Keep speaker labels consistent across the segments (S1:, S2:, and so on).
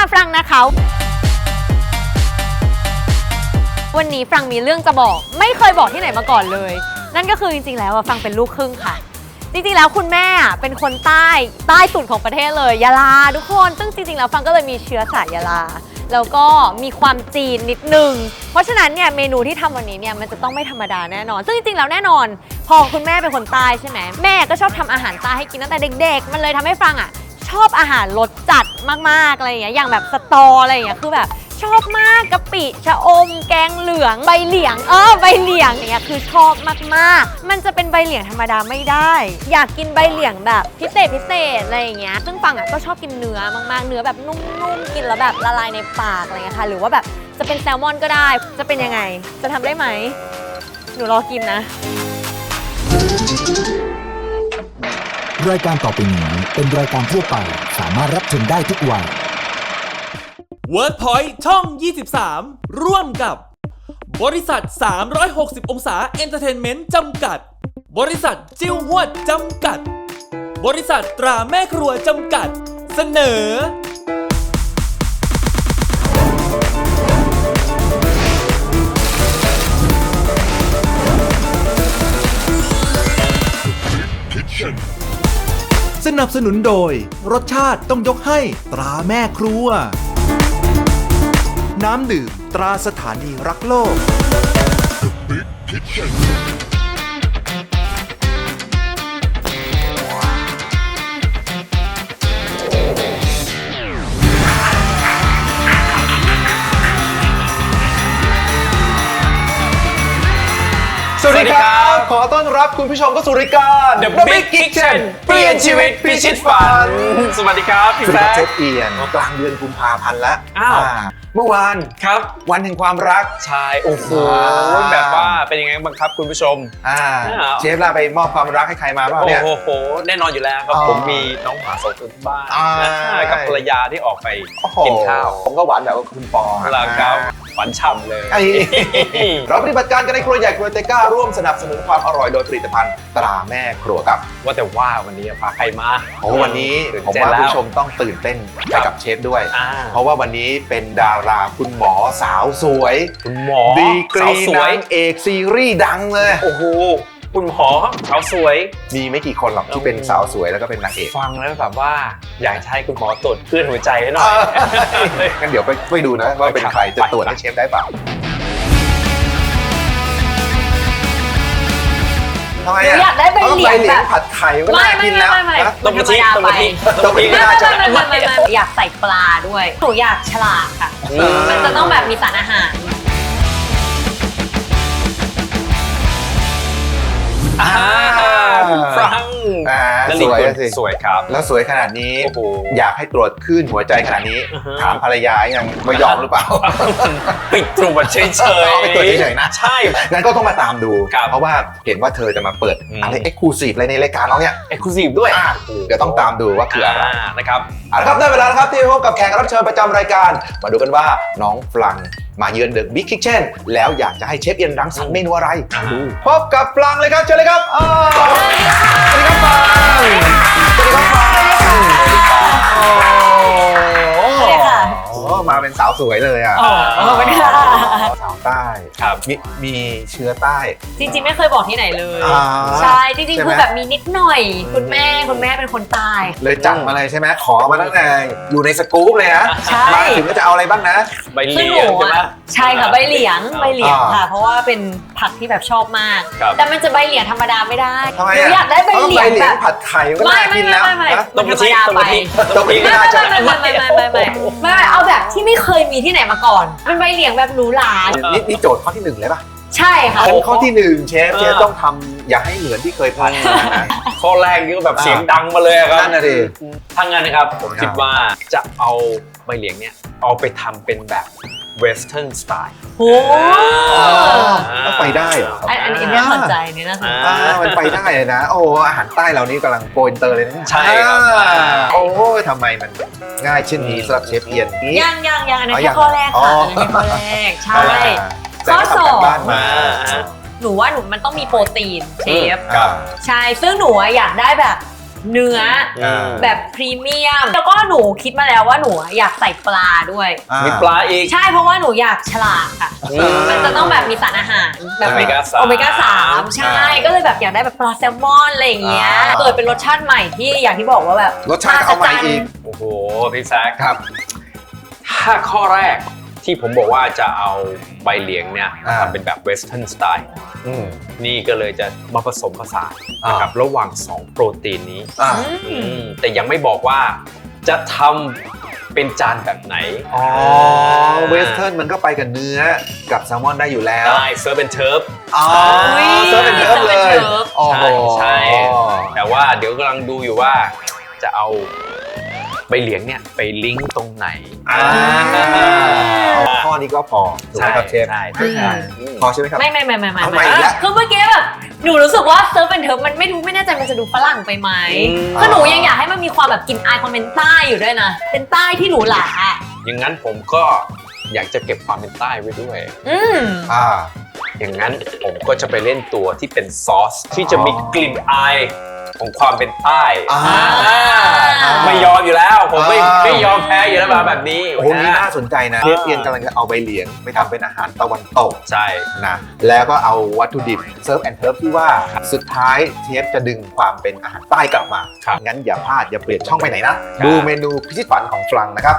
S1: ฟรังนะคะวันนี้ฟรังมีเรื่องจะบอกไม่เคยบอกที่ไหนมาก่อนเลยนั่นก็คือจริงๆแล้วฟรังเป็นลูกครึ่งค่ะจริงๆแล้วคุณแม่เป็นคนใต้สุดของประเทศเลยยะลาทุกคนซึ่งจริงๆแล้วฟรังก็เลยมีเชื้อสายยะลาแล้วก็มีความจีนนิดนึงเพราะฉะนั้นเนี่ยเมนูที่ทำวันนี้เนี่ยมันจะต้องไม่ธรรมดาแน่นอนซึ่งจริงๆแล้วแน่นอนพอคุณแม่เป็นคนใต้ใช่ไหมแม่ก็ชอบทำอาหารใต้ให้กินตั้งแต่เด็กๆมันเลยทำให้ฟรังชอบอาหารรสจัดมากๆอะไรอย่างเงี้ยอย่างแบบสตออะไรอย่างเงี้ยคือแบบชอบมากกะปิชะอมแกงเหลืองใบเหลียงใบเหลียงอย่างเงี้ยคือชอบมากๆมันจะเป็นใบเหลียงธรรมดาไม่ได้อยากกินใบเหลียงแบบพิเศษอะไรอย่างเงี้ยซึ่งฟังก็ชอบกินเนื้อมากๆเนื้อแบบนุ่มๆกินแล้วแบบละลายในปากอะไรเงี้ยค่ะหรือว่าแบบจะเป็นแซลมอนก็ได้จะเป็นยังไงจะทำได้ไหมหนูรอกินนะ
S2: รายการต่อไปนี้เป็นรายการทั่วไปสามารถรับชมได้ทุกวัย
S3: WordPoint ช่อง 23 ร่วมกับบริษัท 360 องศาเอนเตอร์เทนเมนต์จำกัดบริษัทจิ้วหวดจำกัดบริษัทตราแม่ครัวจำกัดเสนอ
S4: สนับสนุนโดยรสชาติต้องยกให้ตราแม่ครัวน้ำดื่มตราสถานีรักโลก
S5: สวัสดีครับ ขอต้อนรับคุณผู้ชมเข้าสู่รายการ
S6: The Big Kitchen เปลี่ยนชีวิตพิชิตฝันสวัสดีครับพี่
S5: สวัส
S6: แซ
S5: ดี
S6: ค
S5: เชฟเอียนกลางเดือนกุมภาพันธ์แล้ว
S6: อ้าว
S5: เมื่อวาน
S6: ครับ
S5: วันแห่งความรัก
S6: ใช่โอ้โหแบบว่าเป็นยังไงบ้างครับคุณผู้ชม
S5: เชฟลาไปมอบความรักให้ใครมาบ้างเนี่ย
S6: โอ้โหแน่นอนอยู่แล้วครับ
S5: อ๋อ
S6: ผมมีน้องหมา2 ตัวที่บ้าน
S5: อ่า
S6: กับภรรยาที่ออกไป
S5: โอ้โห
S6: กินข้าว
S5: ผมก็หวานแบบว่าคุณปอ
S6: แล้วครับหวานฉ่ำเลย
S5: ไอ้ เราปฏิบัติการกันในครัวใหญ่ครัวเตก้าร่วมสนับสนุนความอร่อยโดยผลิตภัณฑ์ตราแม่ครัวครับ
S6: ว่าแต่ว่าวันนี้พาใครมา
S5: โอ้วันนี้
S6: ตื่น
S5: ผม
S6: เต้น
S5: ว่า
S6: แล้ว
S5: ผู้ชมต้องตื่นเต้นไปกับเชฟด้วย
S6: อ่า
S5: เพราะว่าวันนี้เป็นดาราคุณหมอสาวสวย
S6: คุณหมอ
S5: ดีกรี
S6: สาวสวย
S5: นางเอกซีรีส์ดังเลย
S6: โอ้โหคุณหมอสาวสวย
S5: มีไม่กี่คนหรอกที่เป็นสาวสวยแล้วก็เป็นนางเอก
S6: ฟังแล้วแบบว่าอยากจะให้คุณหมอตรวจคลื่นหัวใจให้หน่อย
S5: งั้นเดี๋ยวไปดูนะว่าเป็นใครจะตรวจให้เชฟได้เปล่าทำไม
S1: หนูอยากได้ใบเหลียงแบบ
S5: ผัดไข่ก็น่ากินแล้ว
S1: ไม่
S5: นะ
S6: ต้มกะทิต้มกะทิ
S5: ต้มกะทิก็น่าจะ
S1: ไม่อยากใส่ปลาด้วยหนูอยากฉลาดค่ะมันจะต้องแบบมีสารอาหาร
S6: ฟรัง
S5: สวยสิ
S6: สวยครับ
S5: แล้วสวยขนาดนี้
S6: โอ้โห
S5: อยากให้ตรวจคลื่นหัวใจขนาดนี้
S6: อือฮะ
S5: ถามภรรยายังไม่ยอมหรือเปล่า
S6: ปิดตรวจเฉยๆ
S5: เอาไปตรวจเฉยๆนะ
S6: ใช่
S5: งั้นก็ต้องมาตามดู
S6: ครับ
S5: เพราะว่าเห็นว่าเธอจะมาเปิด อะไรเอ็กซ์คลูซีฟอะไรในรายการเราเนี่ย
S6: เอ็กซ์คลูซีฟด้วย
S5: เดี๋ยวต้องตามดูว่าคืออะไร
S6: นะครับ
S5: เอาละครับได้เวลาแล้วครับที่พบกับแขกรับเชิญประจำรายการ มาดูกันว่าน้องฟลังมาเยือนเดอะบิ๊กคิทเช่นแล้วอยากจะให้เชฟเอียนรังสรรค์เมนูอะไรดูพบกับฟลังเลยครับเชิญเลยครับสวัสดีครับฟลังสวัสดีครับฟลังมาเป็นสาวสวยเลยอ่ะ
S1: ขอบคุณค่ะ
S5: สาวใต้
S6: ครับ
S5: มีเชื้อใต้
S1: จริงๆไม่เคยบอกที่ไหนเลย
S5: อ่า
S1: ใช่จริง
S5: ใช่
S1: ๆ
S5: ไหม
S1: คือแบบมีนิดหน่อยคุณแม่เป็นคนใต้
S5: เลยจัดมาเลยใช่ไหมขอมาตั้งแต่อยู่ในสกู๊ปเลยนะ
S1: ใช่
S5: มาถึงก็จะเอาอะไรบ้างนะ
S6: ใบเห
S1: ซึ่ง
S6: ลี
S1: ห
S6: ย
S1: นู
S6: งใช่ไหม
S1: ใช่ค่ะใบเหลียงค่ะ เพราะว่าเป็นผักที่แบบชอบมาก
S6: ครับ
S1: แต่มันจะใบเหลียงธรรมดาไม่ได้
S5: ทำไม
S1: หนู
S5: อ่ะ
S1: อยากได้ใบเหลียงแบบ
S5: ผัดไข่ก็น่ากินแล้วนะ
S6: ต้มกะทิต้มกะทิ
S5: ต้มกะทิก็น่าจะ
S1: ไม่เอาแบบที่ไม่เคยมีที่ไหนมาก่อนเป็นใบเหลียงแบบหรูหรา
S5: นี่โจทย์ข้อที่หนึ่งเลยป่ะ
S1: ใช่ค่ะ
S5: ข้อที่หนึ่งเชฟต้องทำอย่าให้เหมือนที่เคยทำนะ
S6: ข้อแรกนี่ก็แบบเสียงดังมาเลยครับ
S5: นั่นน่ะดิ
S6: ถ้างั้นนะครับผมคิดว่าจะเอาใบเหลียงเนี่ยเอาไปทำเป็นแบบเวสเทิร์นสไตล์
S1: โอ้
S5: ต้องไปได้เหรอ
S1: อันนี้น่าสนใจนี่น่าสนใจ
S5: มันไปได้เลยนะ โอ้อาหารใต้เรานี่กำลังโกอินเตอร์เลยนะ
S6: ใช่ครับ
S5: โอ้ทำไมมันง่ายเช่นนี้สำหรับเชฟเอียนนี้
S1: ยังอันนั้นแค่ข้อแรกค่ะอันนั้นแค่ข้อแรกใช่
S5: แต่ก็ทำกันบ้านมา
S1: หนูว่ามันต้องมีโปรตีนเชฟ
S5: ครับ
S1: ใช่ซึ่งหนูอยากได้แบบเนื้อแบบพรีเมียม แล้วก็หนูคิดมาแล้วว่าหนูอยากใส่ปลาด้วย
S6: มีปลาอีก
S1: ใช่เพราะว่าหนูอยากฉลาดค่ะ มันจะต้องแบบมีสารอาหารแบบ
S6: โอเมก้า3
S1: โอเมก้า3ใช่ก็เลยแบบอยากได้แบบปลาแซลมอนอะไรอย่างเงี้ยเกิดเป็นรสชาติใหม่ที่อย่างที่บอกว่าแบบ
S5: รสชาติเอาใหม่อีก
S6: โอ้โหพี่แซค
S5: ครับ
S6: ถ้าข้อแรกที่ผมบอกว่าจะเอาใบเหลียงเนี่ยทำเป็นแบบเวสเทิร์นสไตล์นี่ก็เลยจะมาผสมผสานนะครับระหว่าง 2 โปรตีนนี้แต่ยังไม่บอกว่าจะทำเป็นจานแบบไหน
S5: อ๋อเวสเทิร์นมันก็ไปกับเนื้อกับแซลมอนได้อยู่แล้ว
S6: ได้เซิร์ฟเป็นเทิร์ฟ
S5: อ๋อเซิร์ฟเป็นเทิร์ฟเลยโอ้โห
S6: ใช่แต่ว่าเดี๋ยวกำลังดูอยู่ว่าจะเอาใบเหลียงเนี่ยไปลิงก์ตรงไหน
S5: เอาข้อนี้ก็พอถูกไหมครับเชฟ
S6: ใช่
S5: พอใช่ไหมครับ
S1: ไม่
S5: เอาใหม่อีกแล้ว
S1: คือเมื่อกี้แบบหนูรู้สึกว่าเซิร์ฟเป็นเทิร์ฟมันไม่แน่ใจมันจะดูฝรั่งไปไหมคือหนูยังอยากให้มันมีความแบบกลิ่นอายความเป็นใต้อยู่ด้วยนะเป็นใต้ที่หนูหลา
S6: อย่างนั้นผมก็อยากจะเก็บความเป็นใต้ไว้ด้วย อย่างนั้นผมก็จะไปเล่นตัวที่เป็นซอสที่จะมีกลิ่นอายของความเป็นใต้ไม่ยอมอยู่แล้วผมไม่ยอมแพ้อยู่แล้วแบบนี้
S5: โอ้โหนี่น่าสนใจนะเชฟเอียนกำลังจะเอาใบเหลียงไปทำเป็นอาหารตะวันตก
S6: ใช่
S5: นะแล้วก็เอาวัตถุดิบเซิร์ฟแอนด์เทิร์ฟที่ว่าสุดท้ายเชฟจะดึงความเป็นอาหารใต้กลับมางั้นอย่าพลาดอย่าเปลี่ยนช่องไปไหนนะดูเมนูพิชิตฝันของฟรังนะครับ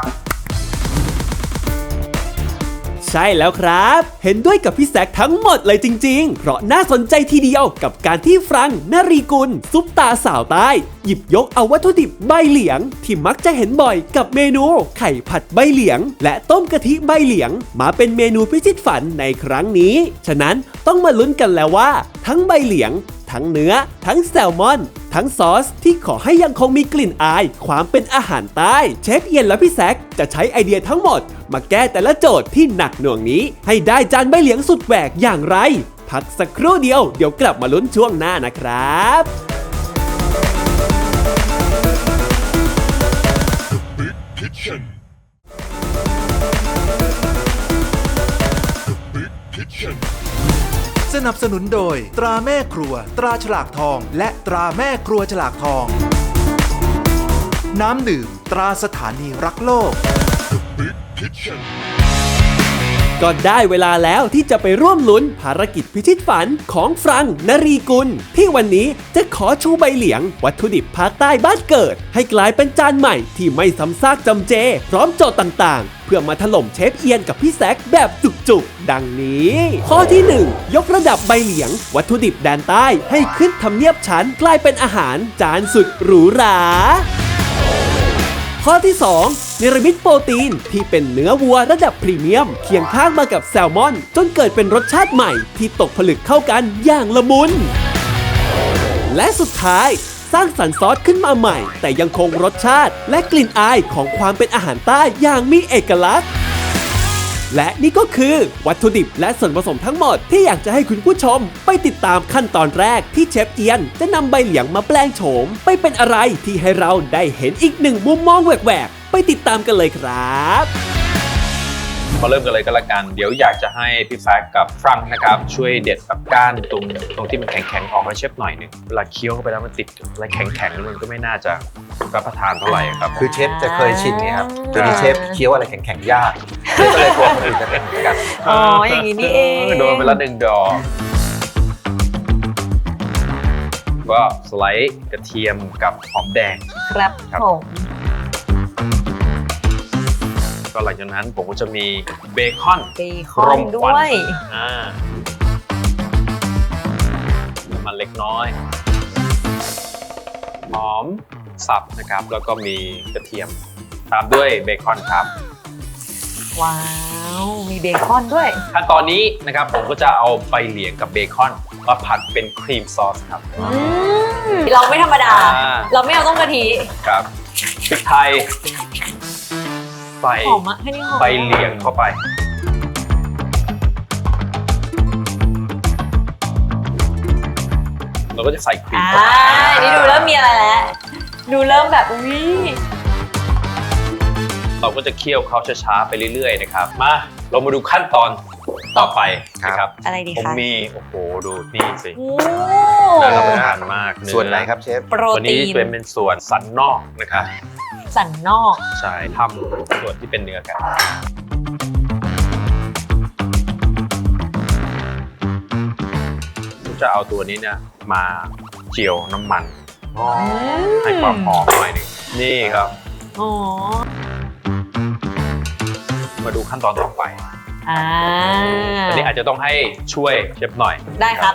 S7: ใช่แล้วครับ เห็นด้วยกับพี่แซคทั้งหมดเลยจริงๆ เพราะน่าสนใจทีเดียวกับการที่ฟรังนรีกุลซุปตาสาวใต้หยิบยกเอาวัตถุดิบใบเหลียงที่มักจะเห็นบ่อยกับเมนูไข่ผัดใบเหลียงและต้มกะทิใบเหลียงมาเป็นเมนูพิชิตฝันในครั้งนี้ฉะนั้นต้องมาลุ้นกันแล้วว่าทั้งใบเหลียงทั้งเนื้อทั้งแซลมอนทั้งซอสที่ขอให้ยังคงมีกลิ่นอายความเป็นอาหารใต้เชฟเอียนและพี่แซคจะใช้ไอเดียทั้งหมดมาแก้แต่ละโจทย์ที่หนักหน่วงนี้ให้ได้จานใบเหลียงสุดแหวกอย่างไรพักสักครู่เดียวเดี๋ยวกลับมาลุ้นช่วงหน้านะครับ
S4: สนับสนุนโดยตราแม่ครัวตราฉลากทองและตราแม่ครัวฉลากทอง น้ำดื่มตราสถานีรักโลก
S7: ก็ได้เวลาแล้วที่จะไปร่วมลุ้นภารกิจพิชิตฝันของฟรังนรีกุลที่วันนี้จะขอชูใบเหลียงวัตถุดิบภาคใต้บ้านเกิดให้กลายเป็นจานใหม่ที่ไม่ซ้ำซากจำเจพร้อมโจทย์ต่างๆเพื่อมาถล่มเชฟเอียนกับพี่แซคแบบจุกๆดังนี้ ข้อที่ 1 ยกระดับใบเหลียงวัตถุดิบแดนใต้ให้ขึ้นทำเนียบชั้นกลายเป็นอาหารจานสุดหรูหราข้อที่ 2 เนรมิตโปรตีนที่เป็นเนื้อวัวระดับพรีเมียมเคียงข้างมากับแซลมอนจนเกิดเป็นรสชาติใหม่ที่ตกผลึกเข้ากันอย่างละมุนและสุดท้ายสร้างสรรค์ซอสขึ้นมาใหม่แต่ยังคงรสชาติและกลิ่นอายของความเป็นอาหารใต้อย่างมีเอกลักษณ์และนี่ก็คือวัตถุดิบและส่วนผสมทั้งหมดที่อยากจะให้คุณผู้ชมไปติดตามขั้นตอนแรกที่เชฟเอียนจะนำใบเหลียงมาแปลงโฉมไปเป็นอะไรที่ให้เราได้เห็นอีกหนึ่งมุมมองแหวกๆไปติดตามกันเลยครับ
S6: มาเริ่มกันเลยก็แล้วกันเดี๋ยวอยากจะให้พี่แซคกับฟรังนะครับช่วยเด็ดแบบก้านตรงที่มันแข็งๆออกให้เชฟหน่อยหนึงเวลาเคี้ยวเข้าไปแล้วมันติดอะไรแข็งๆมันก็ไม่น่าจะรับประทานเท่าไหร่ครับ
S5: คือเชฟจะเคยชินไงครับเดี๋ยวนี้เชฟเคี้ยวอะไรแข็งๆยากก็เลยกลัวคนอื่นจะเป็นเหมือนกัน
S1: อ๋ออย่างนี้นี่เอง
S6: โดนไปละ1 ดอกก็สไลด์กระเทียมกับหอมแดง
S1: ครับ
S6: ครับ
S1: ผม
S6: ก็หลังจากนั้นผมก็จะมีเบคอน
S1: เบคอนด้วย
S6: น้ำมันเล็กน้อยหอมสับนะครับแล้วก็มีกระเทียมตามด้วยเบคอนครับ
S1: ว้าว มีเบคอนด้วย
S6: ขั้นตอนนี้นะครับผมก็จะเอาใบเหลียงกับเบคอนมาผัดเป็นครีมซอสครับ
S1: เราไม่ธรรมดา
S6: อ่า
S1: เราไม่เอาต้มกะทิ
S6: ครับพริกไทยใส่
S1: หอมอะให้นี่หอม
S6: ใบเหลียงเข้าไปเราก็จะใส่ครีมเข้าไป
S1: นี่ดูเริ่มมีอะไรแล้วดูเริ่มแบบอุ้ย
S6: เราก็จะเคี่ยวเขาช้าๆไปเรื่อยๆนะครับมาเรามาดูขั้นตอนต่อไปนะครับ
S1: อะไรดี
S6: ผม
S1: คะ
S6: มีโอ้โหดูนี่สิ
S1: โอ้
S6: น่ารับประทานมากเอ
S5: ส่วนไหนครับเชฟ
S1: โปร
S6: ตัวนี้
S1: ตีน
S6: เป็นส่วนสันนอกนะครับ
S1: สันนอก
S6: ใช่ทำส่วนที่เป็นเนื้อกันผมจะเอาตัวนี้เนี่ยมาเจียวน้ำมันให้ความหอมหน่อยหนึงนี่ครับ
S1: อ๋อ
S6: มาดูขั้นตอนต่อไป
S1: อ่า
S6: อันนี้อาจจะต้องให้ช่วยเชฟหน่อย
S1: ได้ครับ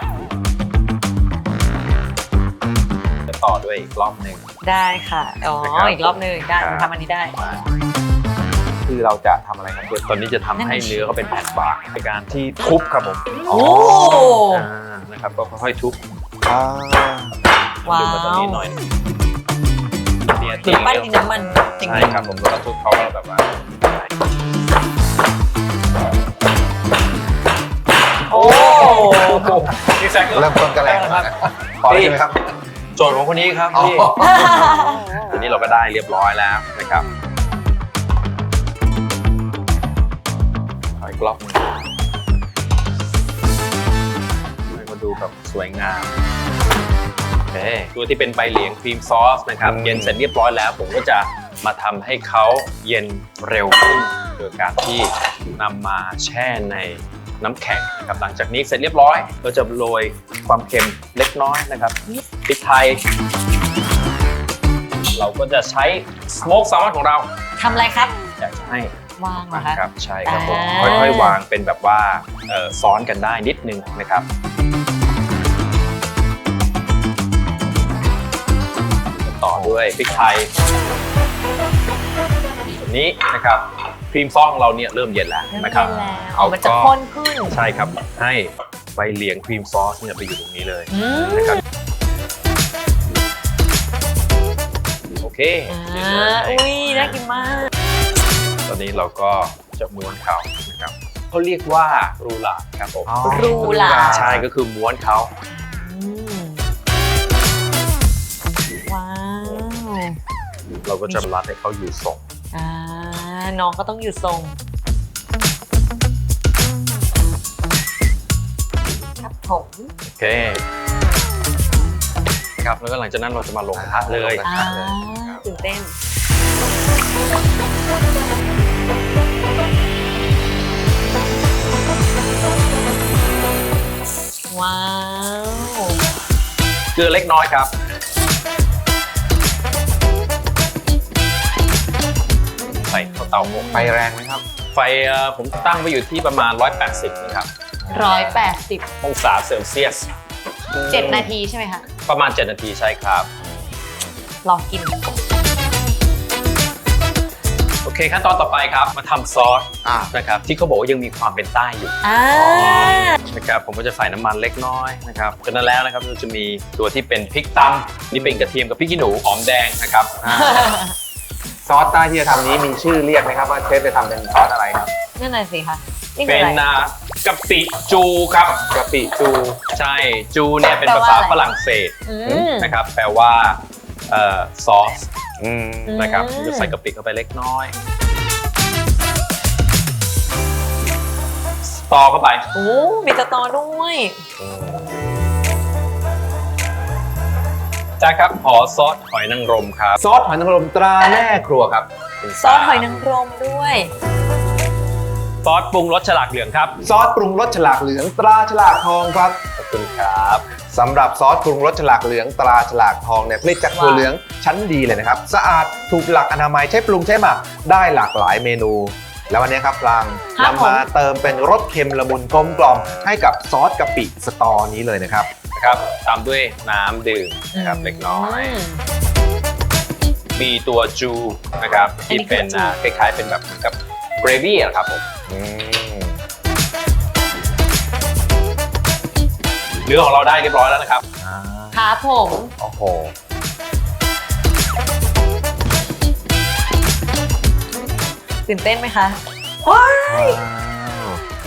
S6: จะต่อด้วยอีกรอบหนึ่ง
S1: ได้ค่ะ อ๋อ
S6: นะครับ
S1: อีกรอบหนึงได้
S6: ครับ
S1: ทำอันนี้ได้
S5: คือเราจะทำอะไรครับเชฟ
S6: ตอนนี้จะทำให้เนื้อเขาเป็นแผ่นบางในการที่ทุบครับผม
S1: โอ้
S6: นะครับก็ค่อยๆทุบ
S1: ว้า
S6: ดูมาตรง
S1: ว
S6: นี้หน่อยเนี่ย
S1: หรือปั้นดินน้ำมันจริง
S6: ใช่ครับผมแล้วก็ทุบเขาก็แบบว่า
S1: โอ้
S6: พี่แซค
S5: เริ่มต้นกันแรงมากพอได้ไหมครับ
S6: โจทย์ของคนนี้ครับ
S5: อ๋อ
S6: พี่วันนี้เราก็ได้เรียบร้อยแล้วนะครับขออีกรอบหนึงให้มาดูแบบสวยงามโอเคตัวที่เป็นใบเหลียงครีมซอสนะครับเย็นเสร็จเรียบร้อยแล้ว ผมก็จะมาทำให้เขาเย็นเร็วขึ้นโดยการที่นำมาแช่ในน้ำแข็งนะครับหลังจากนี้เสร็จเรียบร้อยเราจะโรยความเค็มเล็กน้อยนะครับพริกไทย เราก็จะใช้สโมกแซลมอนของเรา
S1: ทำอะไรครับ
S6: อยากจะให้
S1: วางเหรอคะ
S6: ครับใช่ครับผม
S1: อ่า
S6: ค่อยๆวางเป็นแบบว่าซ้อนกันได้นิดนึงนะครับต่อด้วยพริกไทยแบบนี้นะครับครีมซองของเราเนี่ยเริ่มเย็นแล้วนะครับ
S1: เริ่มเย็นแล้ว
S6: เอา
S1: มันจะ
S6: ก็
S1: ข้นขึ้น
S6: ใช่ครับให้ใบเหลียงครีมซอสเนี่ยไปอยู่ตรงนี้เลย
S1: อืม
S6: นะครับโอเค
S1: อ่าอุ้ยน่ากินมาก
S6: ตอนนี้เราก็จะม้วนเขานะครับเขาเรียกว่ารูหลาดครับผม
S1: รูหลาด
S6: ใช่ก็คือม้วนเขา
S1: อืมว้าว
S6: เราก็จะรัดให้เขาอยู่ทรง
S1: อ่าน้องก็ต้องอยู่ทรงครับผม
S6: โอเคครับแล้วก็หลังจากนั้นเราจะมาลงกระทะเลย
S1: อ่าตื่นเต้นว้าว
S6: เกลือเล็กน้อยครับใส่เข้าเตาอบ
S5: ไฟแรงไหมครับ
S6: ไฟผมตั้งไว้อยู่ที่ประมาณ 180นะครับ
S1: 180
S6: องศาเซลเซียส
S1: 7 นาทีใช่ไหมคะ
S6: ประมาณ 7 นาทีใช่ครับ
S1: ลองกิน
S6: โอเคขั้นตอนต่อไปครับมาทำซอส
S5: อ่า
S6: นะครับที่เขาบอกว่ายังมีความเป็นใต้อยู่
S1: อ่า
S6: นะครับผมก็จะใส่น้ำมันเล็กน้อยนะครับจากนั้นแล้วนะครับเราจะมีตัวที่เป็นพริกตำนี่เป็นกระเทียมกับพริกขี้หนูหอมแดงนะครับ
S5: ซอสใต้ที่จะทำนี้มีชื่อเรียกไหมครับว่าเชฟจะทำเป็นซอสอะไรครับ
S1: นั่นน่ะสิคะนี่คื
S6: เป็
S1: อน อะไร
S6: กะปิจูครับ
S5: กะปิจู
S6: ใช่จูเนี่ยเป็น
S1: แปล
S6: ภา
S1: ว่า
S6: ษา
S1: อะไร
S6: ฝรั่งเศส
S1: อืม
S6: นะครับแปลว่าซอส
S5: อืม
S6: นะครับ
S1: อืม
S6: จะใส่กะปิเข้าไปเล็กน้อยสตอเข้าไป
S1: โอ้มีสตอด้วย
S6: จ้าครับขอซอสหอยนางรมครับ
S5: ซอสหอยนางรมตราแม่ครัวครับ
S1: ซอสหอยนางรมด้วย
S6: ซอสปรุงรสฉลากเหลืองครับ
S5: ซอสปรุงรสฉลากเหลืองตราฉลากทองครับ
S6: ขอบคุณครับ
S5: สำหรับซอสปรุงรสฉลากเหลืองตราฉลากทองเนี่ยผลิตจากถั่วเหลืองชั้นดีเลยนะครับ สะอาดถูกหลักอนามัยใช้ปรุงใช้หมักได้หลากหลายเมนู แล้ววันนี้ครับปราง
S1: ครับ
S5: นำมาเติมเป็นรสเค็มละมุนกลมกล่อมให้กับซอสกะปิสตอนี้เลยนะครับ
S6: นะครับตามด้วยน้ำดื่มนะครับเล็กน้อย มีตัวจูนะครับ
S1: อัน
S6: ที่
S1: นี้คือ
S6: เป็น
S1: จู
S6: คล้ายๆเป็นแบบเหมือนกับเกรวี่อะครับผม
S5: อืม
S6: เนื้อของเราได้เรียบร้อยแล้วนะครับ
S1: ครับผม
S5: โอ้โห
S1: ตื่นเต้นไหมคะว้าย โอ้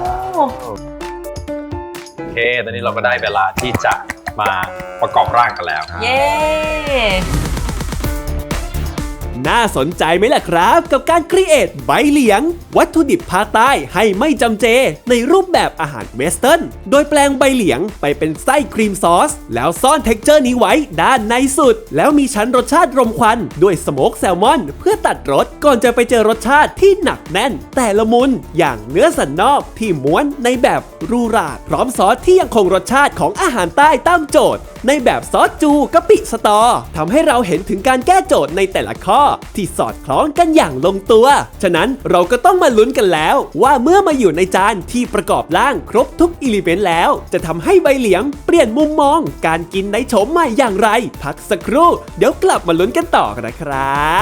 S6: โอเค ตอนนี้เราก็ได้เวลาที่จะมาประกอบร่างกันแล้ว
S1: เย้
S2: ใน
S7: น่าสนใจไหมล่ะครับ กับการครีเอทใบเหลียง วัตถุดิบภาคใต้ให้ไม่จำเจ ในรูปแบบอาหารเวสเทิร์นโดยแปลงใบเหลียงไปเป็นไส้ครีมซอส แล้วซ่อนเท็กเจอร์นี้ไว้ด้านในสุด แล้วมีชั้นรสชาติรมควันด้วยสโมกแซลมอนเพื่อตัดรสก่อนจะไปเจอรสชาติที่หนักแน่น แต่ละมุนอย่างเนื้อสันนอกที่ม้วนในแบบรูราดพร้อมซอสที่ยังคงรสชาติของอาหารใต้ตามโจทย์ ในแบบซอสจูกะปิสตอทำให้เราเห็นถึงการแก้โจทย์ในแต่ละข้อที่สอดคล้องกันอย่างลงตัว ฉะนั้นเราก็ต้องมาลุ้นกันแล้วว่าเมื่อมาอยู่ในจานที่ประกอบร่างครบทุกอิเลเมนต์แล้ว จะทำให้ใบเหลียงเปลี่ยนมุมมองการกินในโฉมใหม่อย่างไร พักสักครู่เดี๋ยวกลับมาลุ้นกันต่อกันนะครับ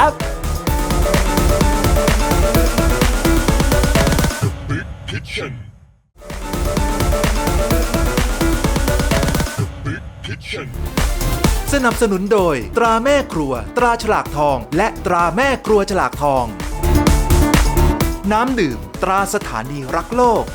S4: สนับสนุนโดยตราแม่ครัวตราฉลากทองและตราแม่ครัวฉลากทอง น้ำดื่มตราสถานีรักโลก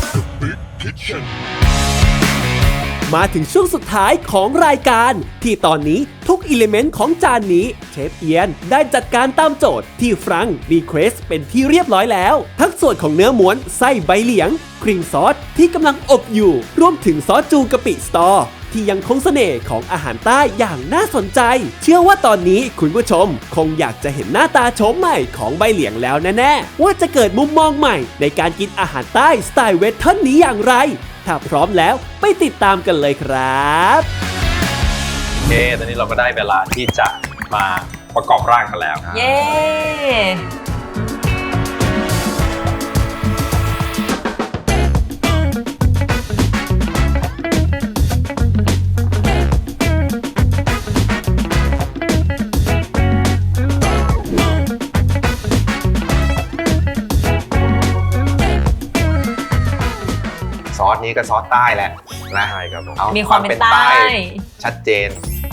S7: มาถึงช่วงสุดท้ายของรายการที่ตอนนี้ทุกอิเลเมนต์ของจานนี้เชฟเอียนได้จัดการตามโจทย์ที่ฟรังก์รีเควสเป็นที่เรียบร้อยแล้วทั้งส่วนของเนื้อม้วนไส้ใบเหลียงครีมซอสที่กำลังอบอยู่รวมถึงซอสจูกะปิสตอที่ยังคงเสน่ห์ของอาหารใต้อย่างน่าสนใจเชื่อว่าตอนนี้คุณผู้ชมคงอยากจะเห็นหน้าตาโฉมใหม่ของใบเหลียงแล้วแน่ๆว่าจะเกิดมุมมองใหม่ในการกินอาหารใต้สไตล์เวสเทิร์นนี้อย่างไรถ้าพร้อมแล้วไปติดตามกันเลยครับ
S6: โอเค ตอนนี้เราก็ได้เวลาที่จะมาประกอบร่างกันแล้ว
S1: เย้
S5: ซอสนี้ก็ซอสใต้แหละนะ
S6: ใช่ครับผม
S5: เอา
S1: มีความเป็นใต้
S5: ชัดเจน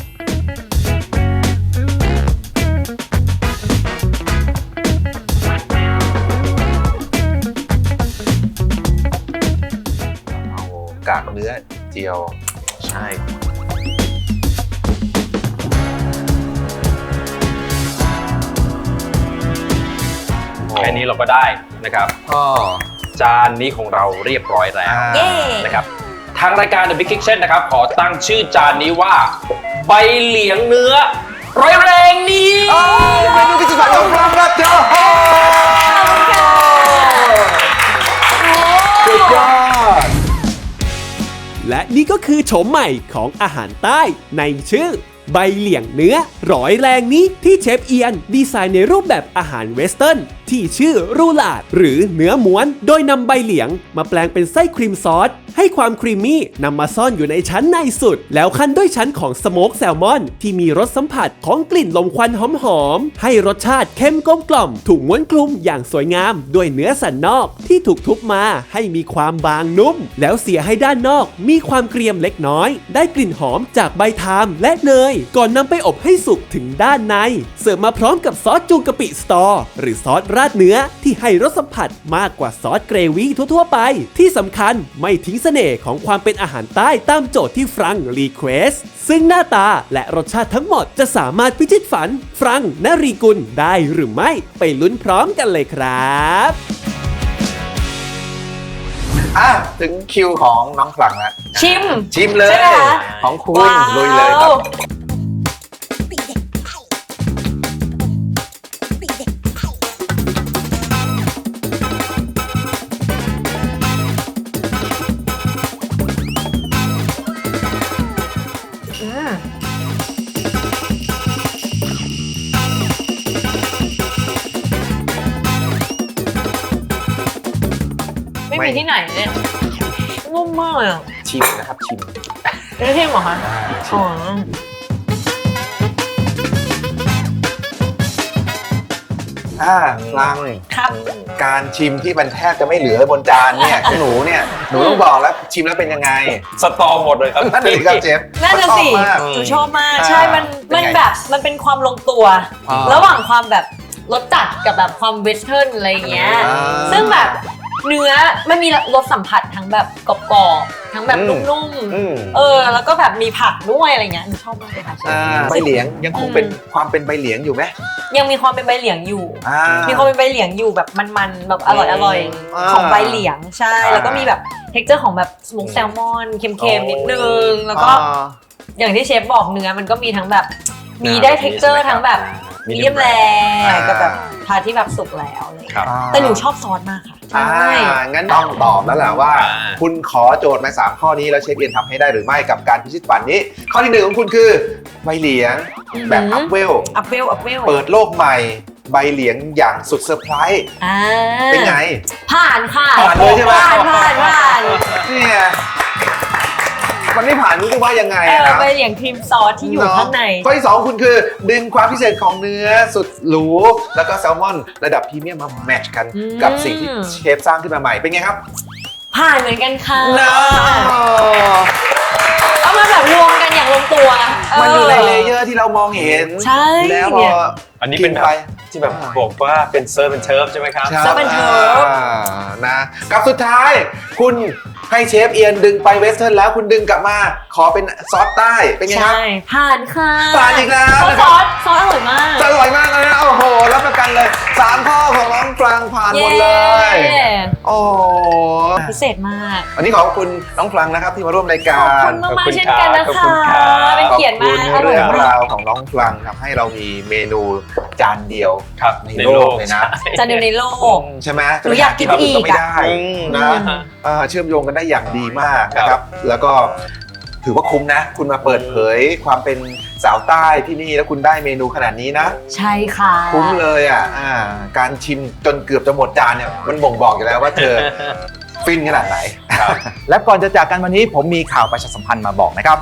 S5: เอากากเนื้อเจียว
S6: ใช่ แค่นี้เราก็ได้นะครับ
S5: อ๋อ
S6: จานนี้ของเราเรียบร้อยแล้ว
S1: เย้
S6: นะครับทางรายการ The Big Kitchen นะครับขอตั้งชื่อจานนี้ว่าใบเหลียงเนื้อร้อยแรงนี้
S5: เมนูพิเศษของฟรังครับเจ้าสุดยอด
S7: และนี่ก็คือโฉมใหม่ของอาหารใต้ในชื่อใบเหลียงเนื้อร้อยแรงนี้ที่เชฟเอียนดีไซน์ในรูปแบบอาหารเวสเทิร์นที่ชื่อรูลาดหรือเนื้อม้วนโดยนำใบเหลียงมาแปลงเป็นไส้ครีมซอสให้ความครีมมี่นำมาซ่อนอยู่ในชั้นในสุดแล้วคั่นด้วยชั้นของสโมกแซลมอนที่มีรสสัมผัสของกลิ่นลมควันหอมๆให้รสชาติเข้มกลมกล่อมถูกม้วนคลุมอย่างสวยงามด้วยเนื้อสันนอกที่ถูกทุบมาให้มีความบางนุ่มแล้วเสียให้ด้านนอกมีความเกรียมเล็กน้อยได้กลิ่นหอมจากใบทามและเนยก่อนนำไปอบให้สุกถึงด้านในเสิร์ฟมาพร้อมกับซอสจูกะปิสตอหรือซอสราดเนื้อที่ให้รสสัมผัสมากกว่าซอสเกรวี่ทั่วๆไปที่สำคัญไม่ทิ้งเสน่ห์ของความเป็นอาหารใต้ตามโจทย์ที่ฟรังรีเควสซึ่งหน้าตาและรสชาติทั้งหมดจะสามารถพิชิตฝันฟรังนรีกุลได้หรือไม่ไปลุ้นพร้อมกันเลยครับ
S5: ถึงคิวของน้องฟรังแล้ว
S1: ชิม
S5: เลย
S1: ใช่ไหมคะ
S5: ของคุณ
S1: ว้าว
S5: ลุยเลยครับ
S1: ไม่มีที่ไหนเนี่ยนุ่มมากเลยอ่ะ
S5: ชิมนะครับชิม
S1: ไม่ใช่เหรอคะ
S5: ชิ
S1: อ๋
S5: ม
S1: อ
S5: ฟรัง
S1: ครับ
S5: การชิมที่มันแทบจะไม่เหลือบนจานเนี่ยของหนูเนี่ยหนูต้องบอกแล้วชิมแล้วเป็นยังไง
S6: สตอหมดเลยครับ
S5: นั่นเลยครับเจฟ
S1: น่าจะสิ
S5: ชอบมาก
S1: หนูชอบมาก
S5: อ่า
S1: ใช่ มัน
S5: เป็นไง
S1: แบบมันเป็นความลงตัว
S5: อ่า
S1: ระหว่างความแบบรสจัดกับแบบความเวสเทิร์นอะไรอย่างเงี้ย
S5: อ่า
S1: ซึ่งแบบเนื้อมันมีรสสัมผัสทั้งแบบกรอบๆทั้งแบบนุ่มๆแล้วก็แบบมีผักด้วยอะไรเงี้ยชอบมากเลยค่ะ
S5: ใบเหลียงยังคงเป็นความเป็นใบเหลียงอยู่ไหม
S1: ยังมีความเป็นใบเหลียงอยู่มีความเป็นใบเหลียงอยู่แบบมันๆแบบอร่อยของใบเหลียงใช่แล้วก็มีแบบเท็กเจอร์ของแบบสโมกแซลมอนเค็มๆนิดนึงแล้วก็อย่างที่เชฟบอกเนื้อมันก็มีทั้งแบบมีได้เท็กเจอร์ทั้งแบบมีเดียมแรกับแบบพาที่แบบสุกแล้วอะไรอย่างเงี้ยแต่หนูชอบซอสมากค่ะ
S5: งั้นต้องตอบแล้วแหละว่า คุณขอโจทย์มา3ข้อนี้แล้วเชฟเอียนทำให้ได้หรือไม่กับการพิชิตฝันนี้ ข้อที่1ของคุณคือใบเหลียงแบบอัพเวลเปิดโลกใหม่ใบเหลียงอย่างสุดเซอร์ไพรส์เป็นไง
S1: ผ่านค่ะ
S5: ผ่านเลยใช่ไหม
S1: ผ่าน
S5: เนี่ยมันไม่ผ่านรู้ว่ายังไงนะ
S1: ใบเหลียงครีมซอสที่อยู่ข้างใน
S5: ข้อที่2คุณคือดึงความพิเศษของเนื้อสุดหรูแล้วก็แซลมอนระดับพรีเมียมมาแมทช์กันกับสิ่งที่เชฟสร้างขึ้นมาใหม่เป็นไงครับ
S1: ผ่านเหมือนกันค่ะเอามาแบบรวมกันอย่างลงตัว
S5: มันอยู่ในเลเยอร์ที่เรามองเห็น
S1: ใช่
S5: แล้วพอ
S6: อันนี้เป็นแบบที่แบบบอกว่าเป็นเซิร์ฟเป็นเชิร์ฟใช่ไหมครับ
S1: เซิร์ฟเป็นเชิร์ฟ
S5: นะกับสุดท้ายคุณให้เชฟเอียนดึงไปเวสเทิร์นแล้วคุณดึงกลับมาขอเป็นซอสใต้เป็นไงครับ
S1: ใช่ผ่านค่ะ
S5: ผ่านอีกแล้ว
S1: ซอสอร่อยมาก
S5: อร่อยมากเลยนะโอ้โหรับประกันเลย3ข้อของน้องฟรังผ่านหมดเลยโอ้
S1: พิเศษมาก
S5: วันนี้ขอบคุณน้องฟรังนะครับที่มาร่วมรายการ
S1: ขอบคุณมากเช่นกันนะคะเป็นเกียรติมาก
S5: เรื่องราวของน้องฟรังทำให้เรามีเมนูจานเดียวในโลกเลยนะ
S1: จานเดียวในโลก
S5: ใช่ไหม
S1: หนูอยากกินอีก
S5: ไม่ได้นะเชื่อมโยงกันได้อย่างดีมากนะครับแล้วก็ถือว่าคุ้มนะคุณมาเปิดเผยความเป็นสาวใต้ที่นี่แล้วคุณได้เมนูขนาดนี้นะ
S1: ใช่ค่ะ
S5: คุ้มเลยการชิมจนเกือบจะหมดจานเนี่ยมันบ่งบอกอยู่แล้วว่าเธอฟินขนาดไหนและก่อนจะจากกันวันนี้ผมมีข่าวประชาสัมพันธ์มาบอกนะครับ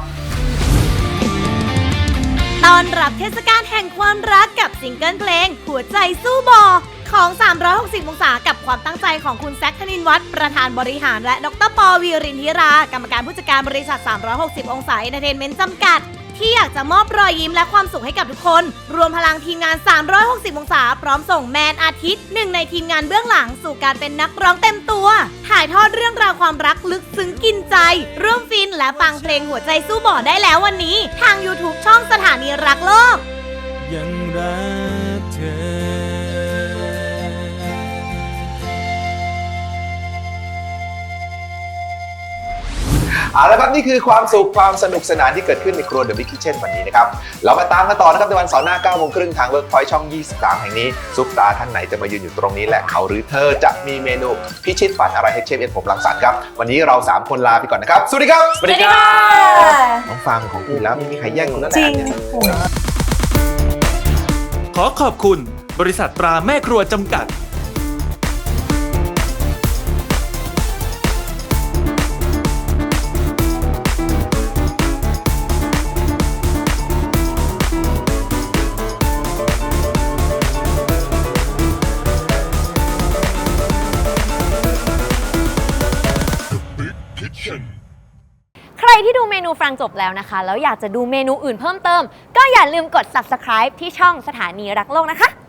S8: ต้อนรับเทศกาลแห่งความรักกับซิงเกิลเพลงหัวใจสู้บอของ360องศากับความตั้งใจของคุณแซค ธนินทร์วัฒน์ประธานบริหารและดร.ป.วีรินทิรากรรมการผู้จัดการบริษัท360องศาเอนเตอร์เทนเมนต์จำกัดที่อยากจะมอบรอยยิ้มและความสุขให้กับทุกคนรวมพลังทีมงาน360องศาพร้อมส่งแมนอาทิตย์หนึ่งในทีมงานเบื้องหลังสู่การเป็นนักร้องเต็มตัวถ่ายทอดเรื่องราวความรักลึกซึ้งกินใจร่วมฟินและฟังเพลงหัวใจสู้บ่อได้แล้ววันนี้ทาง YouTube ช่องสถานีรักโลก
S3: ยังรักเธอ
S5: เอาละครับนี่คือความสุขความสนุกสนานที่เกิดขึ้นในครัว The Big Kitchen วันนี้นะครับเรามาตามกันต่อนะครับในวันเสาร์หน้า 9:30 ทาง Workpoint ช่อง 23 แห่งนี้ซุปตาท่านไหนจะมายืนอยู่ตรงนี้และเขาหรือเธอจะมีเมนูพิชิตฝันอะไรให้เชฟเอ็นผมรังสรรค์ครับวันนี้เรา3คนลาไปก่อนนะครับสวัสดีครับ
S1: สวัสดีค่ะ
S5: น้องฟังของคุณแล้วไม่มีใครแย่งคุณแล้วแหละ
S3: ขอขอบคุณบริษัทตราแม่ครัวจำกัด
S1: ใครที่ดูเมนูฟรังจบแล้วนะคะแล้วอยากจะดูเมนูอื่นเพิ่มเติมก็อย่าลืมกด Subscribe ที่ช่องสถานีรักโลกนะคะ